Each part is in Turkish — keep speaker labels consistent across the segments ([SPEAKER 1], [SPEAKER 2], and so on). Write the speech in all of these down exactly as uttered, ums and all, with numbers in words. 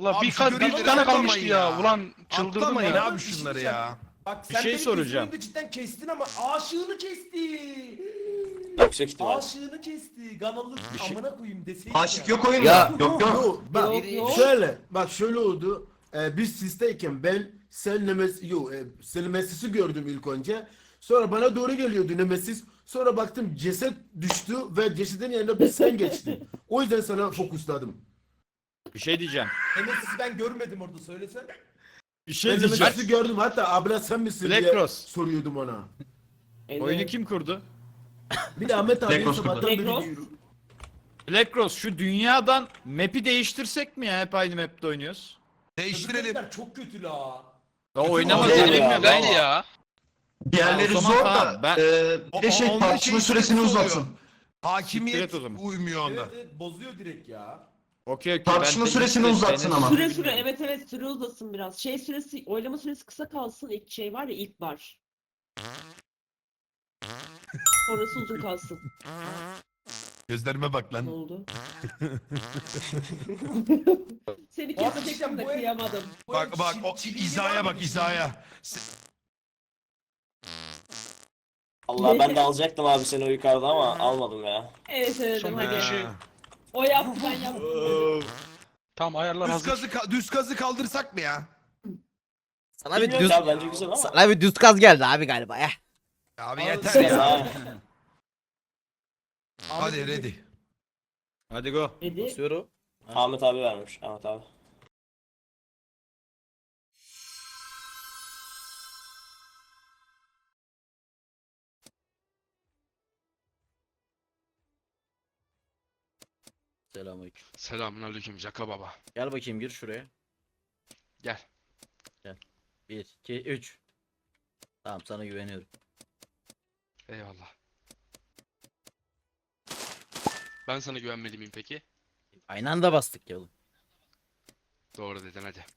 [SPEAKER 1] La
[SPEAKER 2] Abi
[SPEAKER 1] bir,
[SPEAKER 2] şu
[SPEAKER 1] ka- bir
[SPEAKER 2] görevleri
[SPEAKER 1] iki tane kalmıştı
[SPEAKER 2] atlamayın
[SPEAKER 1] ya.
[SPEAKER 2] ya.
[SPEAKER 1] Ulan çıldırdım
[SPEAKER 2] Atlamayın
[SPEAKER 1] ya.
[SPEAKER 2] abi şunları ya.
[SPEAKER 3] Bak
[SPEAKER 4] Bir
[SPEAKER 3] sen
[SPEAKER 4] şey
[SPEAKER 3] benim
[SPEAKER 4] soracağım.
[SPEAKER 3] gözümün cidden kestin ama aşığını kesti.
[SPEAKER 5] Yüksek ihtimal.
[SPEAKER 3] Aşığını kesti. Ganalı
[SPEAKER 4] şey-
[SPEAKER 3] amına koyayım deseydin
[SPEAKER 6] Aşık
[SPEAKER 3] ya.
[SPEAKER 6] yok oyunda.
[SPEAKER 7] Ya-
[SPEAKER 6] Yok yok.
[SPEAKER 8] Yok bak
[SPEAKER 7] Yok, yok.
[SPEAKER 8] şöyle bak şöyle oldu. Ee, biz sisteyken ben sen Nemesis yok e, sen Nemesis'i gördüm ilk önce. Sonra bana doğru geliyordu Nemesis. Sonra baktım ceset düştü ve cesedin yanında bir sen geçtin. O yüzden sana fokusladım.
[SPEAKER 4] Bir şey diyeceğim.
[SPEAKER 3] Nemesis'i ben görmedim orada söylesene.
[SPEAKER 4] Bir şey
[SPEAKER 8] Ben
[SPEAKER 4] diyeceğim.
[SPEAKER 8] Nemesis'i gördüm, hatta abla sen misin
[SPEAKER 4] Black
[SPEAKER 8] diye
[SPEAKER 4] Cross.
[SPEAKER 8] soruyordum ona.
[SPEAKER 4] Oyunu kim kurdu?
[SPEAKER 8] Bir de Ahmet abi
[SPEAKER 6] Cross
[SPEAKER 8] sabahtan
[SPEAKER 7] Black
[SPEAKER 8] beri
[SPEAKER 7] Cross.
[SPEAKER 8] diyor.
[SPEAKER 4] Black Rose şu dünyadan map'i değiştirsek mi ya? Hep aynı map'te oynuyoruz.
[SPEAKER 2] Değiştirelim.
[SPEAKER 3] Öbürler çok kötü la.
[SPEAKER 4] Ya oynamaz
[SPEAKER 5] Değil
[SPEAKER 4] dedim
[SPEAKER 5] ya,
[SPEAKER 4] ya.
[SPEAKER 1] Ben
[SPEAKER 4] Ben
[SPEAKER 1] ya.
[SPEAKER 6] Diğerleri
[SPEAKER 4] O zaman
[SPEAKER 6] zor
[SPEAKER 4] tamam,
[SPEAKER 6] da.
[SPEAKER 4] ben-
[SPEAKER 6] e,
[SPEAKER 2] O-
[SPEAKER 6] bir de şey
[SPEAKER 2] o- onda
[SPEAKER 6] tartışma
[SPEAKER 2] şey
[SPEAKER 6] süresini
[SPEAKER 2] sıkıntı oluyor.
[SPEAKER 6] uzatsın.
[SPEAKER 2] Hakimiyet
[SPEAKER 4] Siktir et o zaman.
[SPEAKER 2] uymuyor onda.
[SPEAKER 3] Evet, evet, bozuyor direkt ya.
[SPEAKER 4] Okey okey.
[SPEAKER 6] Tartışma
[SPEAKER 4] ben
[SPEAKER 6] süresini
[SPEAKER 4] senin-
[SPEAKER 6] uzatsın
[SPEAKER 4] senin-
[SPEAKER 6] ama.
[SPEAKER 7] Süre süre evet evet süre uzasın biraz. Şey süresi oylama süresi kısa kalsın. İlk şey var ya ilk bar. Sonrası uzun kalsın.
[SPEAKER 2] Gözlerime bak
[SPEAKER 7] Ne
[SPEAKER 2] lan.
[SPEAKER 7] oldu? Seni
[SPEAKER 3] Abi
[SPEAKER 7] kesecektim
[SPEAKER 3] cidden
[SPEAKER 7] de
[SPEAKER 3] bu ev-
[SPEAKER 7] kıyamadım.
[SPEAKER 3] Bu
[SPEAKER 2] Bak
[SPEAKER 3] ev
[SPEAKER 2] bak
[SPEAKER 3] çi-
[SPEAKER 2] o
[SPEAKER 3] çiftliği var
[SPEAKER 2] izaya
[SPEAKER 3] mı?
[SPEAKER 2] bak izaya. Se-
[SPEAKER 5] Allah ben de alacaktım abi seni o yukarıda ama almadım ya.
[SPEAKER 7] Evet evet
[SPEAKER 1] Son
[SPEAKER 7] hadi.
[SPEAKER 1] bir şey-
[SPEAKER 2] Ha.
[SPEAKER 7] O yaptı ben yaptım.
[SPEAKER 1] Tam ayarlar
[SPEAKER 2] Düz
[SPEAKER 1] hazır.
[SPEAKER 2] gazı ka- düz gazı kaldırsak mı ya?
[SPEAKER 9] Sana bir
[SPEAKER 5] Bilmiyorum
[SPEAKER 9] düz
[SPEAKER 5] ya bence güzel ama.
[SPEAKER 9] sana bir düz kaz geldi abi galiba ya.
[SPEAKER 2] Abi
[SPEAKER 3] Abi,
[SPEAKER 2] yeter
[SPEAKER 3] şey-
[SPEAKER 2] ya.
[SPEAKER 5] Ha.
[SPEAKER 2] Hadi ready.
[SPEAKER 4] Hadi go.
[SPEAKER 7] Dedi.
[SPEAKER 9] Basıyorum.
[SPEAKER 5] Ahmet abi vermiş. Ahmet abi.
[SPEAKER 9] Selamünaleyküm.
[SPEAKER 1] Selamünaleyküm Jaka baba.
[SPEAKER 9] Gel bakayım gir şuraya.
[SPEAKER 1] Gel.
[SPEAKER 9] bir, iki, üç. Tamam sana güveniyorum.
[SPEAKER 1] Eyvallah. Ben sana güvenmeli miyim peki?
[SPEAKER 9] Aynı anda bastık ya oğlum.
[SPEAKER 1] Doğru dedin hadi.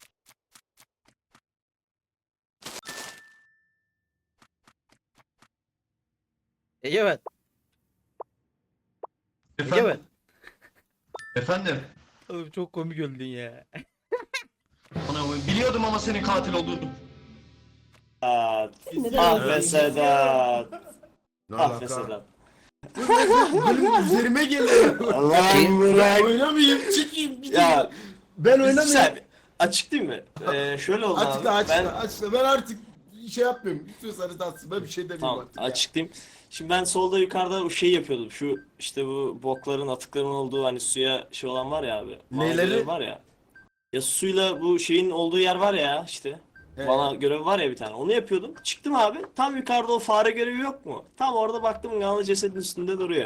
[SPEAKER 9] Egemen.
[SPEAKER 6] Efendim.
[SPEAKER 9] Egemen.
[SPEAKER 6] Efendim.
[SPEAKER 9] Oğlum çok komik öldün ya.
[SPEAKER 6] Ana, biliyordum ama senin katil olduğunu.
[SPEAKER 5] Sedat.
[SPEAKER 7] Neden
[SPEAKER 5] Ah
[SPEAKER 7] öyle?
[SPEAKER 5] be Sedat.
[SPEAKER 8] Ne
[SPEAKER 5] Ah be
[SPEAKER 8] alaka?
[SPEAKER 5] Sedat.
[SPEAKER 8] Benim üzerime geliyor.
[SPEAKER 5] Allah'ım bırak.
[SPEAKER 8] Oynamayayım, çıkayım gideyim.
[SPEAKER 5] Ya
[SPEAKER 8] Ben oynamayayım.
[SPEAKER 5] güzel. Açık değil mi? Ee, şöyle oldu abi.
[SPEAKER 8] Açıkla açıkla
[SPEAKER 5] Ben
[SPEAKER 8] açıkla. Ben artık şey yapmıyorum. İstiyorsanız atsın. Ben bir şey demiyorum
[SPEAKER 5] tamam
[SPEAKER 8] artık ya.
[SPEAKER 5] açıklayayım. Şimdi ben solda yukarıda o şey yapıyordum. Şu işte bu bokların atıkların olduğu hani suya şey olan var ya abi.
[SPEAKER 8] Neyleri?
[SPEAKER 5] Görevi var ya. Ya suyla bu şeyin olduğu yer var ya işte.
[SPEAKER 8] Evet.
[SPEAKER 5] Bana görevi var ya bir tane. Onu yapıyordum. Çıktım abi. Tam yukarıda o fare görevi yok mu? Tam orada baktım Ganalı cesedin üstünde duruyor.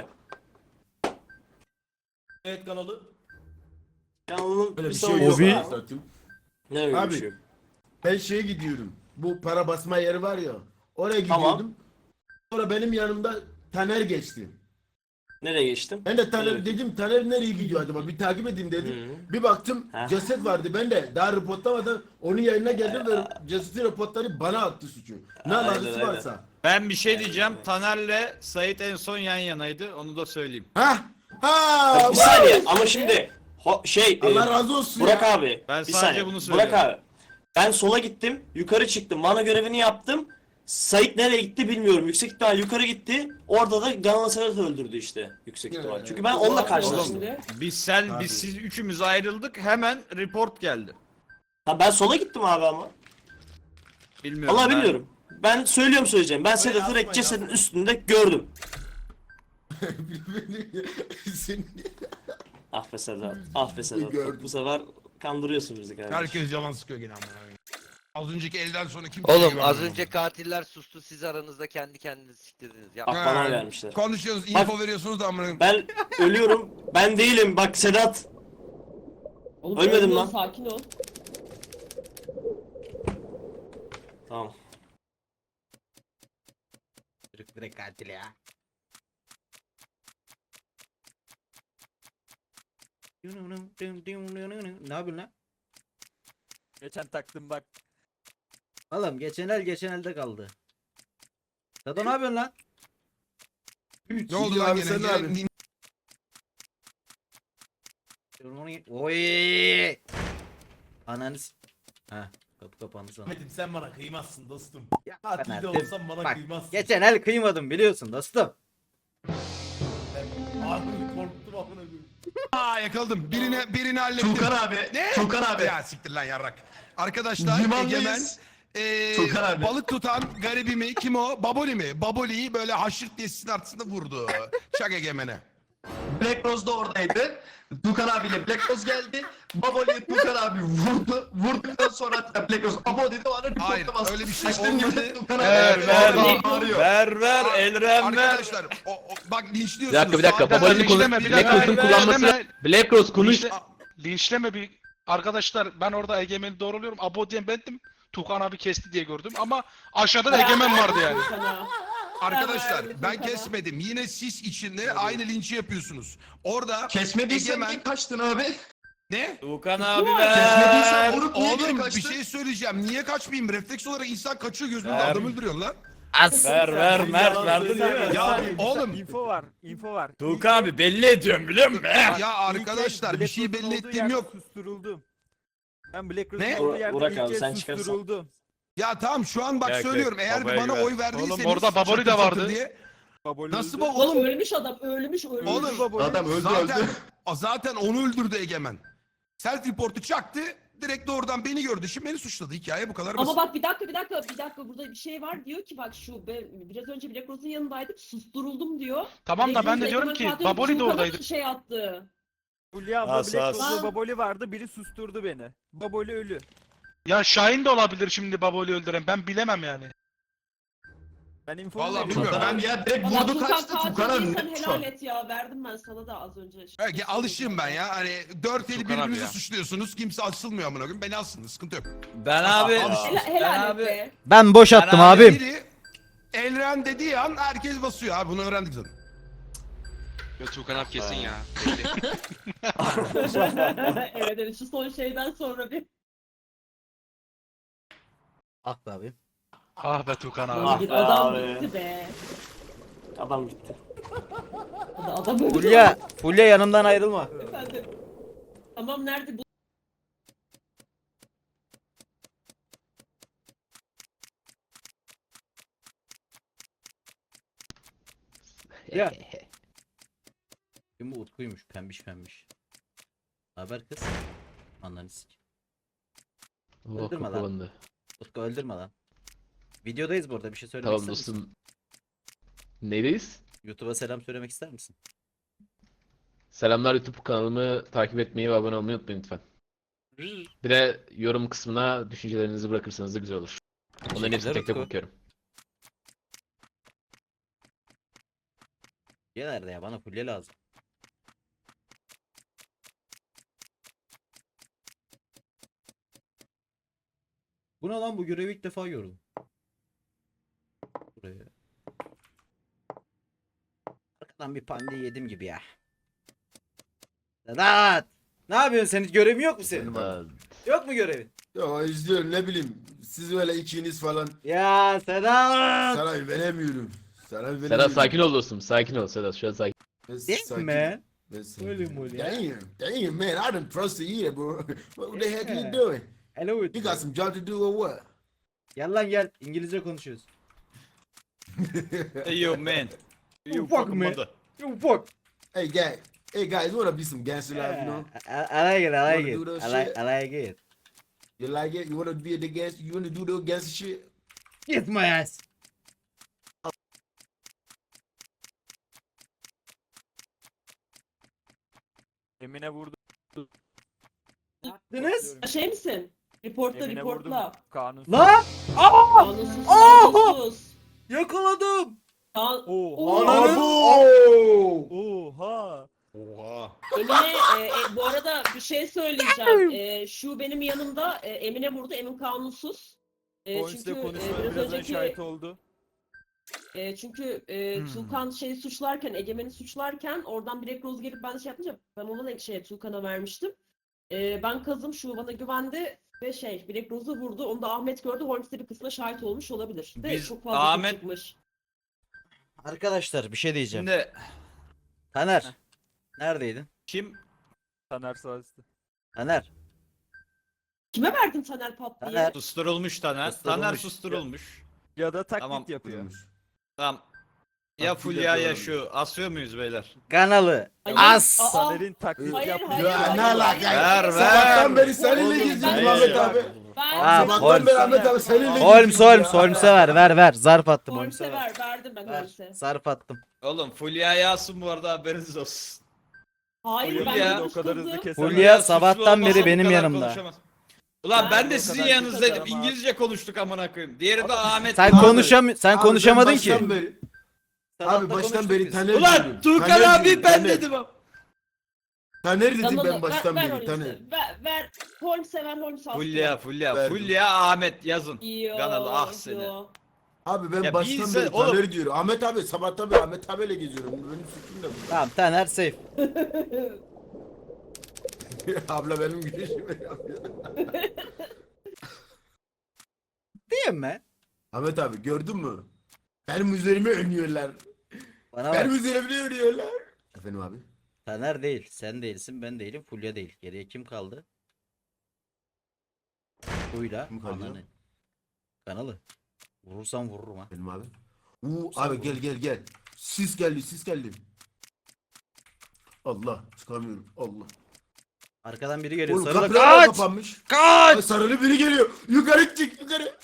[SPEAKER 3] Evet kanalı.
[SPEAKER 5] Ganalı'nın
[SPEAKER 8] Böyle
[SPEAKER 5] bir
[SPEAKER 8] bir şey
[SPEAKER 5] savunucusu
[SPEAKER 8] yok.
[SPEAKER 5] var.
[SPEAKER 9] Obi.
[SPEAKER 8] Zaten.
[SPEAKER 5] Ne öyle
[SPEAKER 8] Abi,
[SPEAKER 5] bir şey yok.
[SPEAKER 8] Ben şeye gidiyorum. Bu para basma yeri var ya. Oraya
[SPEAKER 5] Tamam.
[SPEAKER 8] gidiyordum. Sonra benim yanımda Taner geçti.
[SPEAKER 5] Nereye geçtim?
[SPEAKER 8] Ben de Taner
[SPEAKER 5] Evet.
[SPEAKER 8] dedim, Taner nereye gidiyor acaba? Bir takip edeyim dedim.
[SPEAKER 5] Hı.
[SPEAKER 8] Bir baktım
[SPEAKER 5] Ha.
[SPEAKER 8] ceset vardı. Ben de daha reportlamadan onun yayına geldim ve cesedi reportları bana attı suçu. Ne
[SPEAKER 5] Aynen,
[SPEAKER 8] alakası
[SPEAKER 5] aynen.
[SPEAKER 8] varsa.
[SPEAKER 4] Ben bir şey diyeceğim. Taner'le Sait en son yan yanaydı. Onu da söyleyeyim.
[SPEAKER 8] Ha? Ha!
[SPEAKER 5] Ya bir saniye ama şimdi ho- şey e,
[SPEAKER 8] Allah razı olsun
[SPEAKER 5] Burak
[SPEAKER 8] ya.
[SPEAKER 5] abi.
[SPEAKER 4] Ben
[SPEAKER 5] bir
[SPEAKER 4] sadece
[SPEAKER 5] saniye.
[SPEAKER 4] bunu
[SPEAKER 5] Burak
[SPEAKER 4] söylüyorum.
[SPEAKER 5] abi. Ben sola gittim, yukarı çıktım. Mana görevini yaptım. Sait nereye gitti bilmiyorum. Yüksek ihtimal yukarı gitti. Orada da Ganalı Sedat öldürdü işte. Yüksek ihtimal.
[SPEAKER 8] Evet.
[SPEAKER 5] Çünkü ben onunla karşılaştım.
[SPEAKER 7] Şimdi.
[SPEAKER 4] Biz sen
[SPEAKER 8] Abi.
[SPEAKER 4] biz siz üçümüz ayrıldık. Hemen report geldi.
[SPEAKER 5] Ha ben sola gittim abi ama.
[SPEAKER 4] Bilmiyorum.
[SPEAKER 5] Vallahi
[SPEAKER 4] ben-
[SPEAKER 5] bilmiyorum. Ben söylüyorum söyleyeceğim. Ben Sedat'ı
[SPEAKER 3] yapmayın,
[SPEAKER 5] direkt cesedin üstünde gördüm.
[SPEAKER 8] Senin-
[SPEAKER 5] Ah be Sedat. Ah be Sedat.
[SPEAKER 8] Gördüm.
[SPEAKER 5] Bu sefer kandırıyorsun bizi kardeşim.
[SPEAKER 2] Herkes yalan sıkıyor gene amına koyayım. Az önceki elden sonra kim
[SPEAKER 7] Oğlum az önce katiller sustu siz aranızda kendi kendinizi siktirdiniz. Ya.
[SPEAKER 5] Bak bana vermişler.
[SPEAKER 2] Konuşuyorsunuz,
[SPEAKER 5] Bak-
[SPEAKER 2] info veriyorsunuz da amına koyayım.
[SPEAKER 5] Ben ölüyorum. Ben değilim. Bak Sedat.
[SPEAKER 7] Oğlum,
[SPEAKER 5] Ölmedim
[SPEAKER 7] ölme,
[SPEAKER 5] lan.
[SPEAKER 7] Sakin ol.
[SPEAKER 5] Tamam.
[SPEAKER 9] Çocuk direkt katil ya. Ne yapıyorsun lan?
[SPEAKER 7] Geçen taktım bak.
[SPEAKER 9] Oğlum geçen el geçen elde kaldı. Sado ne yapıyorsun lan?
[SPEAKER 8] Üç,
[SPEAKER 2] Ne oldu
[SPEAKER 8] iki
[SPEAKER 2] lan
[SPEAKER 8] abi,
[SPEAKER 2] gene?
[SPEAKER 8] sen abi.
[SPEAKER 2] Gene-
[SPEAKER 9] Oy. Ananı s- Ha, kapı kapandı sana.
[SPEAKER 3] Ahmet'im sen bana kıymazsın dostum.
[SPEAKER 9] Ya
[SPEAKER 3] Katil de
[SPEAKER 9] Fener'de-
[SPEAKER 3] olsan bana
[SPEAKER 9] Bak,
[SPEAKER 3] kıymazsın.
[SPEAKER 9] geçen el kıymadım biliyorsun dostum.
[SPEAKER 3] Ben harbi korktum amına koyayım.
[SPEAKER 2] Aa yakaladım. Birine birini hallettim.
[SPEAKER 6] Tukan abi.
[SPEAKER 2] Ne?
[SPEAKER 6] Tukan abi.
[SPEAKER 2] Ya siktir lan yarrak. Arkadaşlar
[SPEAKER 6] Limandayız.
[SPEAKER 2] Egemen eee,
[SPEAKER 6] Tukan abi.
[SPEAKER 2] balık tutan garibimi kim o? Baboli mi? Baboli'yi böyle haşırt diye sisin artısında vurdu. Şak Egemen'e.
[SPEAKER 6] Black Rose da oradaydı. Tukan abiyle Black Rose geldi. Baboli Tukan abi vurdu. Vurduktan sonra Black Rose abo dedi o an
[SPEAKER 2] Hayır,
[SPEAKER 6] reporta bastı.
[SPEAKER 2] öyle bir şey
[SPEAKER 6] Açtığım gibi
[SPEAKER 2] olmadı.
[SPEAKER 6] Tukan abi
[SPEAKER 4] Ver,
[SPEAKER 6] orada
[SPEAKER 4] ver.
[SPEAKER 6] bağırıyor.
[SPEAKER 4] Ver ver Elren ver.
[SPEAKER 2] Arkadaşlar o, o, bak linçliyorsunuz.
[SPEAKER 10] Bir dakika bir dakika.
[SPEAKER 2] Sağda-
[SPEAKER 10] Baboli'nin konu
[SPEAKER 1] linçleme, bir
[SPEAKER 10] Black
[SPEAKER 1] dakika.
[SPEAKER 10] Rose'un kullanması.
[SPEAKER 1] Linçleme.
[SPEAKER 10] Black Rose konuş.
[SPEAKER 1] Linçle- linçleme bir arkadaşlar, ben orada Egemen'i doğruluyorum. Abo diyen bendim. Tukan abi kesti diye gördüm ama aşağıda da Egemen vardı yani.
[SPEAKER 7] Sana.
[SPEAKER 2] Arkadaşlar
[SPEAKER 7] Ben
[SPEAKER 2] ben
[SPEAKER 7] verdim
[SPEAKER 2] kesmedim. Yine siz içinde aynı linçi yapıyorsunuz. Orada
[SPEAKER 6] Kesmediysen
[SPEAKER 2] Egemen-
[SPEAKER 6] niye kaçtın abi?
[SPEAKER 2] ne?
[SPEAKER 4] Tukan abi
[SPEAKER 6] Kesmediysen
[SPEAKER 4] ver.
[SPEAKER 6] vurup niye geri
[SPEAKER 2] Oğlum bir
[SPEAKER 6] kaçtın?
[SPEAKER 2] şey söyleyeceğim. Niye kaçmayayım? Refleks olarak insan kaçıyor gözünde
[SPEAKER 4] Ver.
[SPEAKER 2] adam öldürüyorsun lan.
[SPEAKER 9] As.
[SPEAKER 4] Ver ver Mert verdi değil mi?
[SPEAKER 2] Ya oğlum
[SPEAKER 11] info var, info var.
[SPEAKER 4] Tukan abi belli ediyorum biliyor musun?
[SPEAKER 2] ya arkadaşlar bir şey belli ettiğim yok.
[SPEAKER 11] Susturuldum. Ben Black
[SPEAKER 2] Ne?
[SPEAKER 11] Rose'un olduğu
[SPEAKER 5] Burak-
[SPEAKER 11] yerde
[SPEAKER 5] Burak
[SPEAKER 11] ilk
[SPEAKER 5] abi,
[SPEAKER 11] kez
[SPEAKER 5] sen çıkarsan.
[SPEAKER 11] susturuldum.
[SPEAKER 2] Ya tamam şu an bak
[SPEAKER 4] Yok,
[SPEAKER 2] söylüyorum.
[SPEAKER 4] yok,
[SPEAKER 2] Eğer
[SPEAKER 4] babaya
[SPEAKER 2] bana
[SPEAKER 4] güven.
[SPEAKER 2] oy verdiyseniz
[SPEAKER 1] Oğlum orada Baboli
[SPEAKER 2] çatır
[SPEAKER 1] de
[SPEAKER 2] çatır
[SPEAKER 1] vardı.
[SPEAKER 2] diye.
[SPEAKER 11] Baboli
[SPEAKER 2] Nasıl
[SPEAKER 11] öldü.
[SPEAKER 2] bu?
[SPEAKER 7] Oğlum ölmüş adam, ölmüş, ölmüş.
[SPEAKER 2] Oğlum
[SPEAKER 11] Baboli.
[SPEAKER 6] Adam öldü
[SPEAKER 2] zaten,
[SPEAKER 6] öldü.
[SPEAKER 2] zaten onu öldürdü Egemen. Self report'u çaktı. Direkt doğrudan beni gördü. Şimdi beni suçladı. Hikaye bu kadar basit.
[SPEAKER 7] Ama bak bir dakika bir dakika bir dakika burada bir şey var diyor ki bak şu ben biraz önce Black Rose'un yanındaydım susturuldum diyor.
[SPEAKER 1] Tamam da
[SPEAKER 7] Black
[SPEAKER 1] ben de
[SPEAKER 7] Rose
[SPEAKER 1] diyorum
[SPEAKER 7] Egemen
[SPEAKER 1] ki
[SPEAKER 7] katil
[SPEAKER 1] Baboli de
[SPEAKER 7] Tukan'a
[SPEAKER 1] oradaydı.
[SPEAKER 7] şey attı.
[SPEAKER 11] Fulya abla
[SPEAKER 4] As,
[SPEAKER 11] Black
[SPEAKER 4] as.
[SPEAKER 11] Rose'da
[SPEAKER 7] Aa.
[SPEAKER 11] Baboli vardı, biri susturdu beni. Baboli ölü.
[SPEAKER 1] Ya Şahin de olabilir şimdi Baboli öldüren. Ben bilemem yani.
[SPEAKER 11] Ben info
[SPEAKER 2] Vallahi
[SPEAKER 11] veriyorum.
[SPEAKER 2] bilmiyorum.
[SPEAKER 6] Tukan abi ya direkt
[SPEAKER 7] Valla
[SPEAKER 6] vurdu
[SPEAKER 7] Tukan
[SPEAKER 6] kaçtı.
[SPEAKER 7] katil
[SPEAKER 6] Tukan abi
[SPEAKER 7] değilsen
[SPEAKER 6] net şu
[SPEAKER 7] helal
[SPEAKER 6] an.
[SPEAKER 7] et ya verdim ben sana da az önce.
[SPEAKER 2] Belki alışığım ben ya. Hani dört eli
[SPEAKER 1] Tukan abi
[SPEAKER 2] birbirinizi
[SPEAKER 1] ya.
[SPEAKER 2] suçluyorsunuz. Kimse asılmıyor amına koyayım. Beni asın. Sıkıntı yok.
[SPEAKER 4] Ben abi.
[SPEAKER 7] Helal,
[SPEAKER 4] Ben
[SPEAKER 7] helal et
[SPEAKER 4] abi.
[SPEAKER 7] be.
[SPEAKER 9] Ben boş attım
[SPEAKER 4] Ben abi-
[SPEAKER 9] abim.
[SPEAKER 2] Biri Elren dediği an herkes basıyor abi. Bunu öğrendik zaten.
[SPEAKER 1] Ya Tukan abi kesin ya. Belli.
[SPEAKER 7] Evet evet şu son şeyden sonra bir.
[SPEAKER 9] Haklı abi.
[SPEAKER 1] Ah be Tukan abi.
[SPEAKER 5] Ah
[SPEAKER 7] Bir
[SPEAKER 5] be
[SPEAKER 7] adam
[SPEAKER 5] abi.
[SPEAKER 7] gitti be.
[SPEAKER 5] Adam gitti.
[SPEAKER 7] Adam öldü.
[SPEAKER 9] Fulya, Fulya yanımdan ayrılma.
[SPEAKER 7] Efendim. Tamam nerede bu?
[SPEAKER 9] Ya. Kim bu Utku'ymuş pembiş pembiş. Haber kız. Ananı sik.
[SPEAKER 10] Oh,
[SPEAKER 9] Öldürme lan.
[SPEAKER 10] kapandı.
[SPEAKER 9] Utku öldürme lan. Videodayız burada bir şey söylemek
[SPEAKER 10] Tamam
[SPEAKER 9] ister misin?
[SPEAKER 10] dostum. Neydeyiz?
[SPEAKER 9] YouTube'a selam söylemek ister misin?
[SPEAKER 10] Selamlar, YouTube kanalımı takip etmeyi ve abone olmayı unutmayın lütfen. Bir de yorum kısmına düşüncelerinizi bırakırsanız da güzel olur. Onların hepsini tek tek
[SPEAKER 9] Utku.
[SPEAKER 10] okuyorum.
[SPEAKER 9] Ya nerede ya? Bana Fulya lazım. Bu ne lan, bu görevi ilk defa gördüm. Buraya. Arkadan bir pande yedim gibi ya. Sedat! Ne yapıyorsun, senin görevin yok mu senin?
[SPEAKER 10] Aa,
[SPEAKER 9] Yok mu görevin?
[SPEAKER 8] Ya izliyorum ne bileyim. Siz öyle ikiniz falan.
[SPEAKER 9] Ya Sedat!
[SPEAKER 8] Sana veremiyorum. Sana veremiyorum.
[SPEAKER 10] Sedat sakin ol dostum. Sakin ol Sedat. Şu an sakin.
[SPEAKER 8] Ben
[SPEAKER 9] Değil
[SPEAKER 8] sakin-
[SPEAKER 9] mi?
[SPEAKER 8] ben sakin-
[SPEAKER 9] Öyle mi oluyor?
[SPEAKER 8] Damn, damn man, I done trust you either, bro. What the heck
[SPEAKER 9] Yeah.
[SPEAKER 8] you doing?
[SPEAKER 9] Hello
[SPEAKER 8] You got some job to do or what?
[SPEAKER 9] Gel lan gel. İngilizce konuşuyoruz.
[SPEAKER 4] Hey yo man.
[SPEAKER 9] You fuck me. You fuck.
[SPEAKER 8] Hey guys, hey guys, you wanna be some gangster life, you know?
[SPEAKER 9] I, I like it, I like
[SPEAKER 8] Wanna do
[SPEAKER 9] it.
[SPEAKER 8] that
[SPEAKER 9] I like,
[SPEAKER 8] shit?
[SPEAKER 9] I like it.
[SPEAKER 8] You like it? You wanna be the gangster? You wanna do the gangster shit?
[SPEAKER 9] Get my ass.
[SPEAKER 11] Emine vurdu.
[SPEAKER 9] Deniz?
[SPEAKER 7] Şey misin? Reportla
[SPEAKER 11] Emine vurdum.
[SPEAKER 7] reportla.
[SPEAKER 11] Kanun.
[SPEAKER 9] Lan! Aa!
[SPEAKER 7] Kanunsuz
[SPEAKER 9] Aa!
[SPEAKER 7] kanunsuz.
[SPEAKER 9] Yakaladım.
[SPEAKER 7] Kan...
[SPEAKER 11] Oha.
[SPEAKER 9] Ananı.
[SPEAKER 11] Oha.
[SPEAKER 2] Oha.
[SPEAKER 7] Emine e, e, bu arada bir şey söyleyeceğim. E, şu benim yanımda e, Emine vurdu. Emin kanunsuz. E,
[SPEAKER 11] Polisle
[SPEAKER 7] çünkü e,
[SPEAKER 11] konuşmaya
[SPEAKER 7] biraz
[SPEAKER 11] birazdan
[SPEAKER 7] önceki
[SPEAKER 11] şahit oldu.
[SPEAKER 7] e, çünkü e,
[SPEAKER 2] Hmm.
[SPEAKER 7] Tuğkan şeyi suçlarken, Egemen'i suçlarken oradan Black Rose gelip ben şey yapınca ben ona da şey Tuğkan'a vermiştim. E, ben kazım şu bana güvendi ve şey Black Rose'u vurdu. Onu da Ahmet gördü. Horns'te bir kısmına şahit olmuş olabilir. De
[SPEAKER 4] Biz-
[SPEAKER 7] çok fazla
[SPEAKER 4] Ahmet-
[SPEAKER 7] Ahmet... çıkmış.
[SPEAKER 9] Arkadaşlar bir şey diyeceğim.
[SPEAKER 4] Şimdi
[SPEAKER 9] Taner. Neredeydin?
[SPEAKER 4] kim?
[SPEAKER 11] Taner sağ üstü.
[SPEAKER 9] Taner.
[SPEAKER 7] Kime verdin Taner Pat diye?
[SPEAKER 9] Taner.
[SPEAKER 4] Susturulmuş Taner.
[SPEAKER 9] Susturulmuş.
[SPEAKER 4] Taner susturulmuş.
[SPEAKER 11] Ya da taklit
[SPEAKER 4] Tamam.
[SPEAKER 11] yapıyor.
[SPEAKER 4] Tamam. Ya
[SPEAKER 8] Taklit
[SPEAKER 4] Fulya ya
[SPEAKER 8] yapıyorum.
[SPEAKER 4] şu. Asıyor muyuz beyler?
[SPEAKER 9] Kanalı.
[SPEAKER 7] Hayır,
[SPEAKER 9] As.
[SPEAKER 7] aa,
[SPEAKER 11] Taner'in taklit
[SPEAKER 7] Hayır,
[SPEAKER 11] yapıyor.
[SPEAKER 7] hayır,
[SPEAKER 8] Ya
[SPEAKER 7] hayır,
[SPEAKER 8] ne
[SPEAKER 7] hayır.
[SPEAKER 8] alaka?
[SPEAKER 4] Ver, ver.
[SPEAKER 8] Sabahtan beri seninle
[SPEAKER 7] Oğlum,
[SPEAKER 8] geziyorum
[SPEAKER 7] ben-
[SPEAKER 8] Ahmet abi.
[SPEAKER 7] Ben
[SPEAKER 9] Ha,
[SPEAKER 7] ben-
[SPEAKER 8] Sabahtan beri Ahmet abi seninle
[SPEAKER 9] Holmes
[SPEAKER 8] geziyorum
[SPEAKER 9] Holmes
[SPEAKER 8] ya.
[SPEAKER 9] Holmes'e ver ver ver. Zarf attım
[SPEAKER 7] Holmes'e
[SPEAKER 9] Holmes'e ver.
[SPEAKER 7] ver, verdim ben
[SPEAKER 9] Ver.
[SPEAKER 7] Holmes'e.
[SPEAKER 9] Zarf attım.
[SPEAKER 4] Oğlum Fulya Yasun bu arada haberiniz olsun.
[SPEAKER 7] Hayır
[SPEAKER 4] Fulya
[SPEAKER 7] ben
[SPEAKER 4] da
[SPEAKER 11] o kadar hızlı
[SPEAKER 7] konuşmadım.
[SPEAKER 11] kesemez.
[SPEAKER 9] Fulya
[SPEAKER 4] suçlu
[SPEAKER 9] sabahtan
[SPEAKER 4] olmasa
[SPEAKER 9] beri
[SPEAKER 4] bu
[SPEAKER 9] benim
[SPEAKER 4] kadar
[SPEAKER 9] yanımda.
[SPEAKER 4] konuşamaz. Ulan
[SPEAKER 7] Ben
[SPEAKER 4] ben
[SPEAKER 7] de
[SPEAKER 4] de
[SPEAKER 7] o
[SPEAKER 4] sizin
[SPEAKER 7] kadar
[SPEAKER 4] yanınızdaydım.
[SPEAKER 11] konuşamam.
[SPEAKER 4] İngilizce konuştuk amına koyayım. Diğeri de Ahmet.
[SPEAKER 9] Sen
[SPEAKER 8] Abi,
[SPEAKER 9] konuşam sen
[SPEAKER 8] Abi
[SPEAKER 9] konuşamadın
[SPEAKER 8] ben
[SPEAKER 9] ki.
[SPEAKER 8] baştan Beri, abi baştan beri Taner
[SPEAKER 4] Ulan
[SPEAKER 8] diyorum.
[SPEAKER 4] Tuğkan
[SPEAKER 8] Taner
[SPEAKER 4] abi
[SPEAKER 8] diyorum,
[SPEAKER 4] ben
[SPEAKER 8] Taner.
[SPEAKER 4] dedim ama.
[SPEAKER 8] Taner dedim
[SPEAKER 7] Kanalı,
[SPEAKER 8] ben baştan
[SPEAKER 7] ver, ver
[SPEAKER 8] beri Taner.
[SPEAKER 7] Holmes'e. Ver, ver. Holmes'e ver, Holmes'e al.
[SPEAKER 4] Fulya Fulya
[SPEAKER 8] Verdim.
[SPEAKER 4] Fulya Ahmet yazın.
[SPEAKER 7] Yo,
[SPEAKER 4] Kanalı ah seni.
[SPEAKER 7] yo.
[SPEAKER 8] Abi ben
[SPEAKER 4] Ya
[SPEAKER 8] baştan
[SPEAKER 4] bilse-
[SPEAKER 8] beri
[SPEAKER 4] oğlum-
[SPEAKER 8] Taner diyorum. Ahmet abi sabahtan beri Ahmet abiyle geziyorum. Benim suçum da bu.
[SPEAKER 9] Tamam Taner safe.
[SPEAKER 8] Abla benim gülüşümü yapıyor.
[SPEAKER 9] Değil mi?
[SPEAKER 8] Ahmet abi gördün mü? Benim üzerime oynuyorlar.
[SPEAKER 9] Bana bak.
[SPEAKER 8] Benim üzerime oynuyorlar. Efendim abi?
[SPEAKER 9] Taner değil. Sen değilsin. Ben değilim. Fulya değil. Geriye kim kaldı? Buyla.
[SPEAKER 8] Kim kaldı ya?
[SPEAKER 9] Ananı. Kanalı. Vurursam vururum ha.
[SPEAKER 8] Benim abi. Uuu abi gel gel gel. Sis geldi sis geldi. Allah çıkamıyorum Allah.
[SPEAKER 9] Arkadan biri geliyor.
[SPEAKER 8] Oğlum
[SPEAKER 9] Sarılı
[SPEAKER 8] kapılar da
[SPEAKER 9] kaç!
[SPEAKER 8] kapanmış.
[SPEAKER 9] Kaç!
[SPEAKER 8] Ay, sarılı biri geliyor. Yukarı çık yukarı.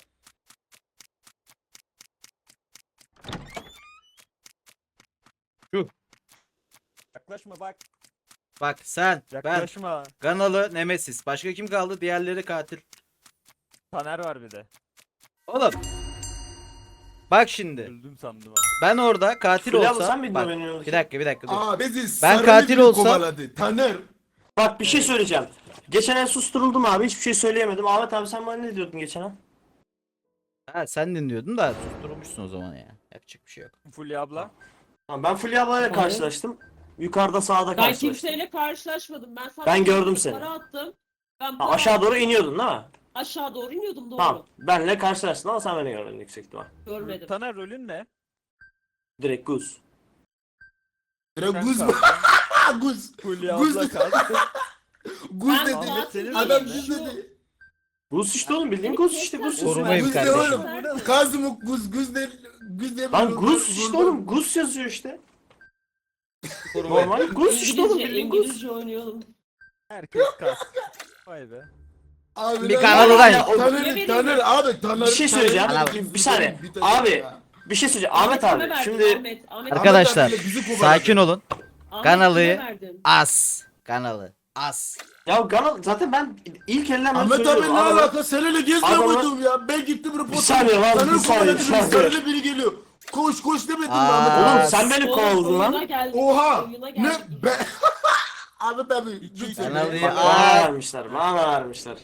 [SPEAKER 11] Yaklaşma bak.
[SPEAKER 9] Bak sen, ben,
[SPEAKER 11] Yaklaşma.
[SPEAKER 9] Kanalı, Nemesis. Başka kim kaldı? Diğerleri katil.
[SPEAKER 11] Taner var bir de.
[SPEAKER 9] Oğlum. Bak şimdi.
[SPEAKER 11] Öldüm sandım ha.
[SPEAKER 9] Ben orada katil
[SPEAKER 5] Fulya abla
[SPEAKER 9] olsam.
[SPEAKER 5] sen miydin
[SPEAKER 9] Bak,
[SPEAKER 5] o benim yanımdaki?
[SPEAKER 9] bir dakika bir dakika dur.
[SPEAKER 8] Aa bizi
[SPEAKER 9] Ben
[SPEAKER 8] sarılı
[SPEAKER 9] katil
[SPEAKER 8] biri
[SPEAKER 9] olsam-
[SPEAKER 8] kovaladı. Taner.
[SPEAKER 5] Bak bir şey söyleyeceğim. Geçen el susturuldum abi, hiçbir şey söyleyemedim. Ahmet abi sen bana ne diyordun geçen el?
[SPEAKER 9] Ha, sen dinliyordun da susturmuşsun o zaman ya. Yapacak bir şey yok.
[SPEAKER 11] Fulya abla.
[SPEAKER 5] Tamam, ben Fulya ablayla karşılaştım. Yukarıda sağda
[SPEAKER 7] Ben
[SPEAKER 5] karşılaştım.
[SPEAKER 7] kimseyle karşılaşmadım. Ben sana
[SPEAKER 5] Ben gördüm seni.
[SPEAKER 7] para attım. Ben
[SPEAKER 5] Ha,
[SPEAKER 7] para
[SPEAKER 5] aşağı doğru
[SPEAKER 7] attım.
[SPEAKER 5] iniyordun değil mi?
[SPEAKER 7] Aşağı doğru iniyordum doğru.
[SPEAKER 5] Tamam. Benle karşılaştın ama sen beni görmedin yüksek ihtimal.
[SPEAKER 7] Görmedim.
[SPEAKER 11] Taner rolün ne?
[SPEAKER 5] Direkt Guz.
[SPEAKER 8] Direkt
[SPEAKER 11] Sen
[SPEAKER 8] guz
[SPEAKER 11] kaldın.
[SPEAKER 8] guz.
[SPEAKER 11] Fulya
[SPEAKER 8] Guz-
[SPEAKER 11] abla kaldı.
[SPEAKER 8] Guz
[SPEAKER 7] Ben
[SPEAKER 8] dedi.
[SPEAKER 11] Ahmet senin
[SPEAKER 8] Adam
[SPEAKER 11] rolün ne?
[SPEAKER 8] guz dedi.
[SPEAKER 5] Guz işte oğlum, bildiğin Guz işte Guz.
[SPEAKER 9] Korumayım
[SPEAKER 8] Guz de
[SPEAKER 9] kardeşim.
[SPEAKER 8] oğlum. Kazım guz guz de. Guz de.
[SPEAKER 5] Lan Guz işte oğlum, Guz yazıyor işte. Normal Guz işte oğlum,
[SPEAKER 7] İngilizce,
[SPEAKER 5] bildiğin Guz.
[SPEAKER 7] İngilizce oynayalım.
[SPEAKER 11] Herkes kas. Vay be.
[SPEAKER 8] Abi
[SPEAKER 9] Bir
[SPEAKER 8] lan-
[SPEAKER 9] kanalı lan.
[SPEAKER 5] Ya, o-
[SPEAKER 8] Taner, Taner abi Taner.
[SPEAKER 5] Bir şey söyleyeceğim.
[SPEAKER 8] Taner-
[SPEAKER 5] Bir saniye.
[SPEAKER 8] Bir tane-
[SPEAKER 5] Abi, Bir şey söyleyeceğim. Ahmet
[SPEAKER 7] kime
[SPEAKER 5] abi
[SPEAKER 7] verdin?
[SPEAKER 5] şimdi
[SPEAKER 7] Ahmet, Ahmet,
[SPEAKER 9] Arkadaşlar
[SPEAKER 8] abiyle bizi kovaladı.
[SPEAKER 9] sakin olun.
[SPEAKER 7] Ahmet
[SPEAKER 9] kanalı-
[SPEAKER 7] kime verdin?
[SPEAKER 9] As. Kanalı. As.
[SPEAKER 5] ya Ganal zaten ben ilk elden ben
[SPEAKER 8] Ahmet abi
[SPEAKER 5] söylüyorum.
[SPEAKER 8] ne
[SPEAKER 5] Adamı-
[SPEAKER 8] alaka? Seninle gezme
[SPEAKER 5] Adamı-
[SPEAKER 8] buldum ya. Ben gittim reporta.
[SPEAKER 5] Bir saniye lan,
[SPEAKER 8] Taner
[SPEAKER 5] bir saniye,
[SPEAKER 8] kovaladı,
[SPEAKER 5] bir saniye.
[SPEAKER 8] sarılı biri geliyor. Koş koş demedim mi
[SPEAKER 9] Aa.
[SPEAKER 8] Ahmet abi?
[SPEAKER 5] Oğlum sen beni
[SPEAKER 7] Oğlum,
[SPEAKER 5] kovaladın
[SPEAKER 7] oyuna
[SPEAKER 5] lan.
[SPEAKER 7] geldik,
[SPEAKER 8] Oha!
[SPEAKER 7] oyuna
[SPEAKER 8] Ne?
[SPEAKER 7] geldik.
[SPEAKER 8] Ben... Ahmet abi. lütfen.
[SPEAKER 9] Kanalı
[SPEAKER 5] Bak,
[SPEAKER 9] Aa.
[SPEAKER 5] bana vermişler, bana vermişler.